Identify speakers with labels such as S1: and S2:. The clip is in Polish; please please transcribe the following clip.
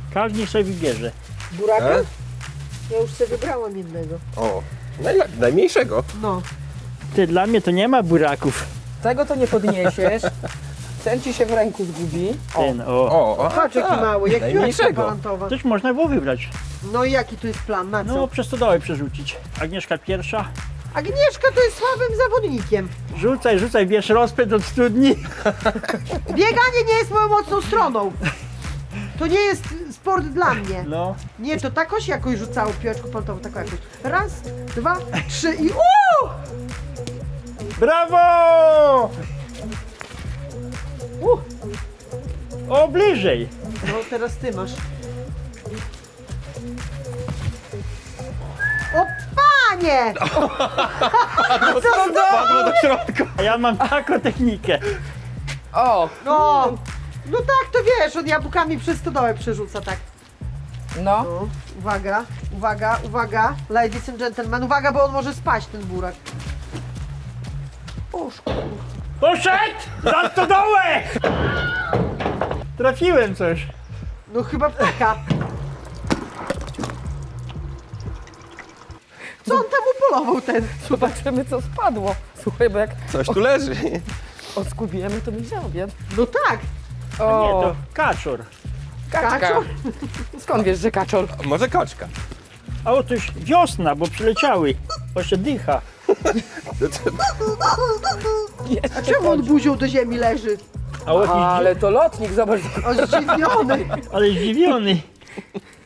S1: Każdy sobie wybierze.
S2: Buraka?
S3: E?
S2: Ja już sobie wybrałam jednego.
S3: O, najmniejszego.
S2: No.
S1: Ty, dla mnie to nie ma buraków.
S4: Tego to nie podniesiesz. Ten ci się w ręku zgubi.
S1: Ten, o.
S3: O,
S2: Patrz jaki mały, jak piłeczka
S3: najmniejszego.
S2: palantowa.
S1: Coś można było wybrać.
S2: No i jaki tu jest plan, na co?
S1: No, przez stodołę przerzucić. Agnieszka pierwsza.
S2: Agnieszka to jest słabym zawodnikiem.
S1: Rzucaj, bierz rozpęd od studni.
S2: Bieganie nie jest moją mocną stroną. To nie jest sport dla mnie.
S1: No.
S2: Nie, to takoś jakoś rzucało piłeczką palantową, taką jakoś. Raz, dwa, trzy i
S1: Brawo! O, bliżej.
S2: No teraz ty masz. O panie!
S3: Padło do środka.
S1: A ja mam taką technikę.
S4: O,
S2: No, no tak, to wiesz, on jabłkami przez stodołę przerzuca, tak.
S4: no.
S2: No, uwaga, uwaga, uwaga, ladies and gentlemen, uwaga, bo on może spaść, ten burak. O, szkoda.
S1: Poszedł! Za stodołę! Trafiłem coś.
S2: No chyba ptaka. Co on tam upolował ten?
S4: Zobaczymy co spadło. Słuchaj, bo jak
S3: Coś tu leży.
S4: odskubujemy, to mi żałbie.
S2: No tak,
S1: No nie, to kaczor.
S4: kaczka.
S2: kaczor.
S4: Skąd wiesz, że kaczor?
S3: Może koczka.
S1: A oto już wiosna, bo przyleciały. Bo się dycha.
S2: A czemu on buzią do ziemi leży?
S1: A o,
S4: Ale to lotnik, zobacz.
S2: O, zdziwiony.
S1: ale zdziwiony.